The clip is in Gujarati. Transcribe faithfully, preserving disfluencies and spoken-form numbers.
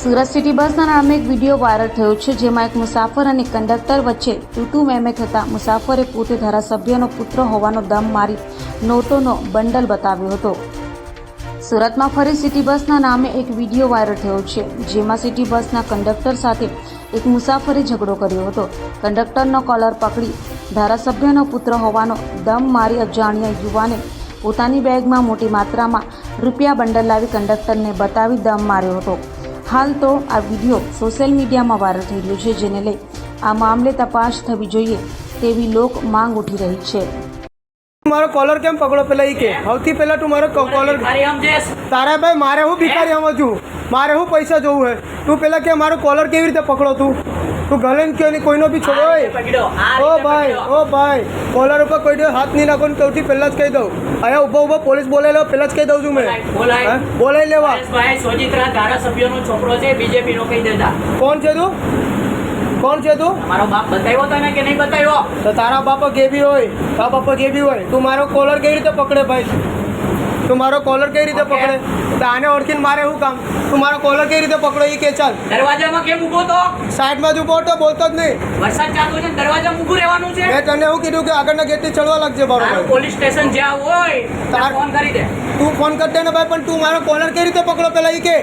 સુરત સિટી બસના નામે એક વિડીયો વાયરલ થયો છે, જેમાં એક મુસાફર અને કંડક્ટર વચ્ચે તૂટુ મેમે થતા મુસાફરે પોતે ધારાસભ્યનો પુત્ર હોવાનો દમ મારી નોટોનો બંડલ બતાવ્યો હતો. સુરતમાં ફરી સિટી બસના નામે એક વિડીયો વાયરલ થયો છે, જેમાં સિટી બસના કંડક્ટર સાથે એક મુસાફરે ઝઘડો કર્યો હતો. કંડક્ટરનો કોલર પકડી ધારાસભ્યનો પુત્ર હોવાનો દમ મારી અજાણ્યા યુવાને પોતાની બેગમાં મોટી માત્રામાં રૂપિયા બંડલ લાવી કંડક્ટરને બતાવી દમ માર્યો હતો. હાલ તો આ વિડીયો સોશિયલ મીડિયામાં વાયરલ થઈ રહ્યો છે, જેને લઈ આ મામલે તપાસ થવી જોઈએ તેવી લોક માંગ ઉઠી રહી છે. મારો કોલર કેમ પકડો પેલા ઈ કે સૌથી પહેલા તું મારો કોલર તારા ભાઈ મારે હું ભિખારી સમજું, મારે હું પૈસા જોવું હે, તું પેલા કે મારો કોલર કેવી રીતે પકડો, તું તું ગલે ને કે કોઈનો બી છોડો. ઓ ભાઈ ઓ ભાઈ કોલર ઉપર કોઈ હાથ નહીં નાખો ને સૌથી પહેલા જ કહી દઉં. અહીંયા ઉભો ઉભો પોલીસ બોલાવી લો, પહેલા જ કહી દઉં છું મેં બોલાવી લેવા. ધારાસભ્યનો છોકરો છે, બીજેપી નો કહી દેતા. કોણ છે તું? કોણ છે તું? મારો બાપ બતાવ્યો તને કે નહીં બતાવ્યો? તો તારા બાપા જે બી હોય, તારા બાપા જે બી હોય, તું મારો કોલર કેવી રીતે પકડે ભાઈ? તું મારો કોલર કેવી રીતે પકડે? તો આને ઓળખીને મારે શું કામ? તું મારો કોલર કેવી રીતે પકડો એ કે ચાલ. દરવાજામાં કેમ ઊભો તો? સાઈડમાં જ ઊભો હતો, બોલતો જ નહીં. વરસાદ ચાલુ છે, દરવાજામાં ઊભું રહેવાનું છે. મેં તને એવું કીધું કે આગળના ગેટથી ચડવા લાગજે બરોબર. પોલીસ સ્ટેશન જ્યાં હોય તાર ફોન કરી દે. તું ફોન કરી દે ને ભાઈ, પણ તું મારો કોલર કેવી રીતે પકડો પેલા એ કે.